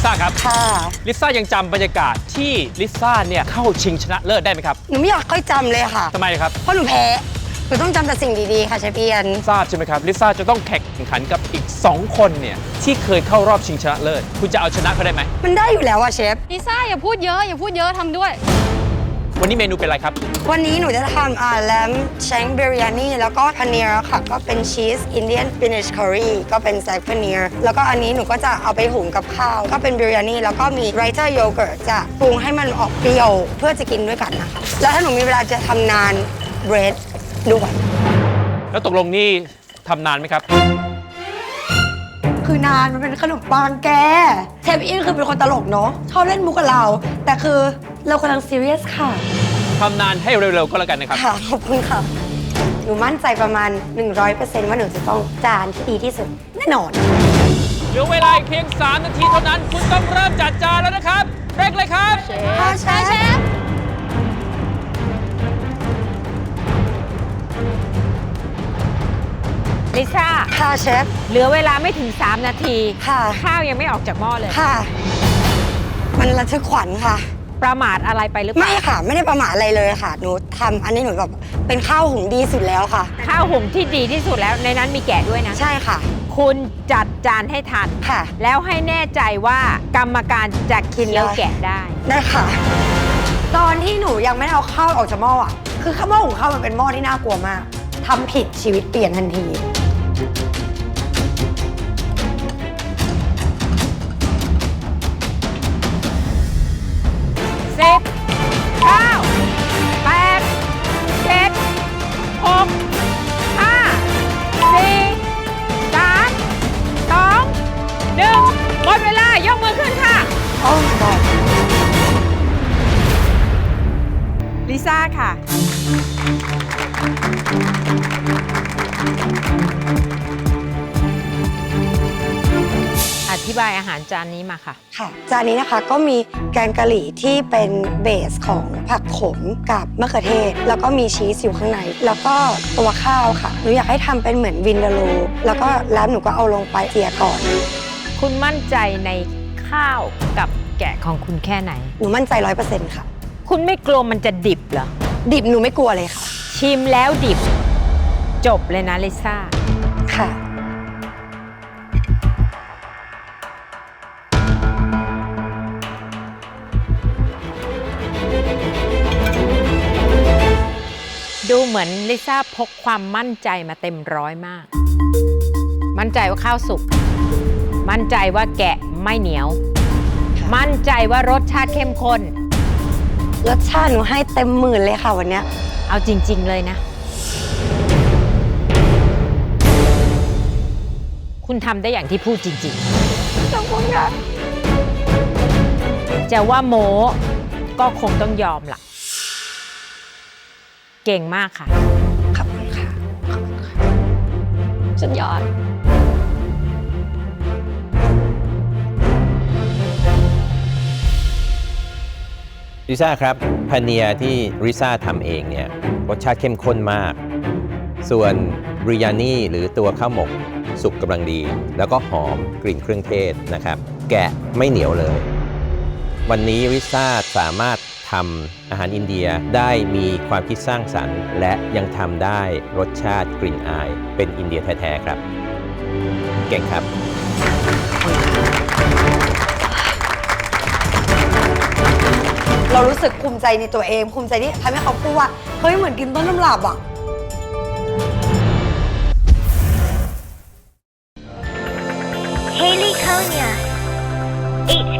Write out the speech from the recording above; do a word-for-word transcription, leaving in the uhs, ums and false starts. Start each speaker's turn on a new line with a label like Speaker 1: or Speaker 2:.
Speaker 1: ซ่าครับ
Speaker 2: ค่ะ
Speaker 1: ลิซ่ายังจำบรรยากาศที่ลิซ่าเนี่ยเข้าชิงชนะเลิศได้ไหมครับ
Speaker 2: หนูไม่อยากค่อยจำเลยค่ะ
Speaker 1: ทำไมครับ
Speaker 2: เพราะหนูแพ้หนูต้องจำแต่สิ่งดีๆค่ะเชฟเอียน
Speaker 1: ทราบใช่ไหมครับลิซ่าจะต้องแข่งขันกับอีกสองคนเนี่ยที่เคยเข้ารอบชิงชนะเลิศคุณจะเอาชนะเขาได้ไหม
Speaker 2: มันได้อยู่แล้วอะเชฟ
Speaker 3: ลิซ่าอย่าพูดเยอะอย่าพูดเยอะทำด้วย
Speaker 1: วันนี้เมนูเป็นอะไรครับ
Speaker 2: วันนี้หนูจะทำอ่าแลมแชงบิริยานีแล้วก็พานีร์ค่ะก็เป็นชีสอินเดียนสปินัชคอรี่ก็เป็นแซกพานีร์แล้วก็อันนี้หนูก็จะเอาไปหุงกับข้าวก็เป็นบิริยานีแล้วก็มีไรเตอร์โยเกิร์ตจะปรุงให้มันออกเปรี้ยวเพื่อจะกินด้วยกันนะคะแล้วถ้าหนูมีเวลาจะทำนานเบรดด้วย
Speaker 1: แล้วตกลงนี่ทำนานไหมครับ
Speaker 2: คือนานมันเป็นขนมปังแกเชฟอินคือเป็นคนตลกเนาะชอบเล่นมุกกับเราแต่คือเรากำลังซีเรียสค่ะ
Speaker 1: ทำนานให้เร็วๆก็แล้วกันนะครับ
Speaker 2: ค่ะขอบคุณค่ะหนูมั่นใจประมาณ หนึ่งร้อยเปอร์เซ็นต์ ว่าหนูจะต้องจานที่ดีที่สุดแน่นอน
Speaker 1: เหลือเวลาเพียงสามนาทีเท่านั้นคุณต้องเริ่มจัดจานแล้วนะครับเร่งเลยครับ
Speaker 2: เชฟเชฟเชฟ
Speaker 3: ลิซ่า
Speaker 2: ค่ะเชฟ
Speaker 3: เหลือเวลาไม่ถึงสามนาที
Speaker 2: ค่ะ
Speaker 3: ข้าวยังไม่ออกจากหม้อเลย
Speaker 2: ค่ะมันระทึกขวัญค่ะ
Speaker 3: ประมาทอะไรไปหรือเปล่า
Speaker 2: ไม่ค่ะไม่ได้ประมาทอะไรเลยค่ะหนูทำอันนี้หนูแบบเป็นข้าวหุงดีสุดแล้วค่ะ
Speaker 3: ข้าวหุงที่ดีที่สุดแล้วในนั้นมีแกะด้วยนะ
Speaker 2: ใช่ค่ะ
Speaker 3: คุณจัดจานให้ทัน
Speaker 2: ค่ะ
Speaker 3: แล้วให้แน่ใจว่ากรรมการจะกินแล้วแกะได้
Speaker 2: ได้ค่ะตอนที่หนูยังไม่เอาข้าวออกจากหม้ออ่ะคือข้าวหม้อหุงข้าวมันเป็นหม้อที่น่ากลัวมากทำผิดชีวิตเปลี่ยนทันที
Speaker 3: สิบเก้าแปดเจ็ดหกห้าสี่สามสองหนึ่งหมดเวลายกมือขึ้นค่ะ
Speaker 2: โอ้โห
Speaker 3: ลิซ่าค่ะอธิบายอาหารจานนี้มาค่ะ
Speaker 2: ค่ะจานนี้นะคะก็มีแกงกะหรี่ที่เป็นเบสของผักขมกับมะเขือเทศแล้วก็มีชีสอยู่ข้างในแล้วก็ตัวข้าวค่ะหนูอยากให้ทำเป็นเหมือนวินเดโลแล้วก็แล้วหนูก็เอาลงไปเจียก่อน
Speaker 3: คุณมั่นใจในข้าวกับแกะของคุณแค่ไหน
Speaker 2: หนูมั่นใจร้อยเปอร์เซ็นต์ค่ะ
Speaker 3: คุณไม่กลัวมันจะดิบเหรอ
Speaker 2: ดิบหนูไม่กลัวเลยค่ะ
Speaker 3: ชิมแล้วดิบจบเลยนะลิซ่า
Speaker 2: ค่ะ
Speaker 3: ดูเหมือนลิซ่าพกความมั่นใจมาเต็มร้อยมากมั่นใจว่าข้าวสุกมั่นใจว่าแกะไม่เหนียวมั่นใจว่ารสชาติเข้มข้น
Speaker 2: รสชาติหนูให้เต็มหมื่นเลยค่ะวันนี้
Speaker 3: เอาจริงๆเลยนะคุณทำได้อย่างที่พูดจริงๆ
Speaker 2: ขอบคุณค่ะ
Speaker 3: จะว่าโม้ก็คงต้องยอมล่ะเก่งมากค่ะ
Speaker 2: ขอบคุณค่ะขอบคุณค่ะ
Speaker 3: สุดยอด
Speaker 4: ลิซ่าครับพาเนียที่ลิซ่าทำเองเนี่ยรสชาติเข้มข้นมากส่วนบริยานีหรือตัวข้าวหมกสุกกำลังดีแล้วก็หอมกลิ่นเครื่องเทศนะครับแกะไม่เหนียวเลยวันนี้ลิซ่าสามารถทำอาหารอินเดียได้มีความคิดสร้างสรรค์และยังทำได้รสชาติกลิ่นอายเป็นอินเดียแท้ๆครับเก่งครับ
Speaker 2: เรารู้สึกภูมิใจในตัวเองภูมิใจที่ทำให้เขาพูดว่าเฮ้ยเหมือนกินต้นตำรับอ่ะ
Speaker 5: Haley Konya, H